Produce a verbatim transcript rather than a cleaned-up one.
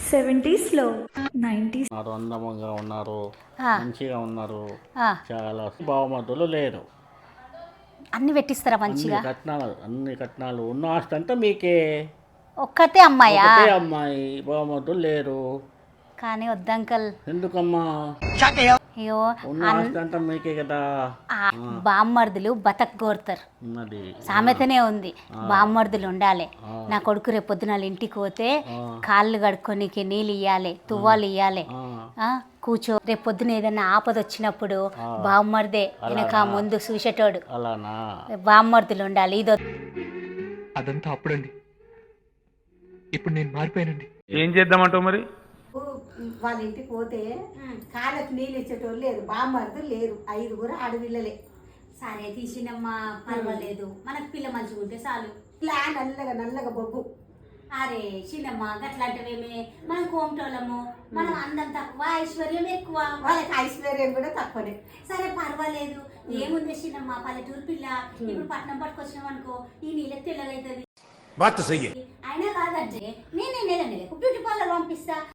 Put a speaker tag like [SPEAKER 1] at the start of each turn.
[SPEAKER 1] Seventies లో nineties
[SPEAKER 2] ఉన్నారు, అందముగా ఉన్నారు,
[SPEAKER 3] ఆ.
[SPEAKER 2] మంచిగా ఉన్నారు.
[SPEAKER 3] ఆ,
[SPEAKER 2] చాలా బావమతులు లేరు.
[SPEAKER 3] అన్ని పెట్టిస్తారా
[SPEAKER 2] అన్ని
[SPEAKER 3] మంచిగా?
[SPEAKER 2] కట్నాలు అన్ని కట్నాలు ఉన్న ఆస్తి అంతా మీకే.
[SPEAKER 3] ఒక్కతే అమ్మాయా?
[SPEAKER 2] ఒకటే అమ్మాయి, బావమతులు లేరు.
[SPEAKER 3] కానీ వద్దంకల్.
[SPEAKER 2] ఎందుకమ్మా?
[SPEAKER 3] అయ్యో,
[SPEAKER 2] ఉన్న ఆస్తి అంతా మీకే కదా.
[SPEAKER 3] ఆ బామ్మర్దులు బతక్ కోరుతారు.
[SPEAKER 2] ఉన్నది
[SPEAKER 3] సామెతనే ఉంది, బామ్మర్దులు ఉండాలి.
[SPEAKER 2] ఆ.
[SPEAKER 3] నా కొడుకు రేపు పొద్దున వాళ్ళ ఇంటికి పోతే
[SPEAKER 2] ఆ.
[SPEAKER 3] కాళ్ళు కడుక్కోనికి నీళ్ళు ఇవ్వాలి, తువ్వాలు ఇవ్వాలి.
[SPEAKER 2] ఆ.
[SPEAKER 3] కూర్చో, రేపు పొద్దున ఏదైనా ఆపద వచ్చినప్పుడు బామ్మర్దే వెనక ముందు చూసేటోడు.
[SPEAKER 2] అలానా?
[SPEAKER 3] బామ్మర్దులు ఉండాలి. ఇదో
[SPEAKER 4] అదంతా అప్పుడండి. ఇప్పుడు నేను మారిపోయానండి.
[SPEAKER 5] ఏం చేద్దామంటావు మరి?
[SPEAKER 6] వాళ్ళ ఇంటికి పోతే కాళ్ళకి నీళ్ళు ఇచ్చేటోళ్ళు లేరు, బామ్మర్దులు లేరు, ఐదుగురు ఆడపిల్లలే.
[SPEAKER 3] సరే తీసినమ్మా, పర్వాలేదు, మనకు పిల్ల మంచిగా ఉంటే చాలు.
[SPEAKER 6] ఇలా నల్లగా నల్లగా బొగ్గు.
[SPEAKER 3] అరే చిన్నమ్మ, గట్లాంటివేమే, మనం కోమటోళ్ళము, మనం అందం తక్కువ, ఐశ్వర్యం ఎక్కువ.
[SPEAKER 6] వాళ్ళకి ఐశ్వర్యం కూడా తక్కువనే.
[SPEAKER 3] సరే పర్వాలేదు, ఏముంది చిన్నమ్మ, పల్లెటూరు పిల్ల. ఇప్పుడు పట్నం పట్టుకొచ్చినాం అనుకో, ఈ నీళ్ళకి తెల్లగైతుంది. అయినా కాదంటే నేనే నెల నెలకు బ్యూటీ పార్లర్ పంపిస్తా.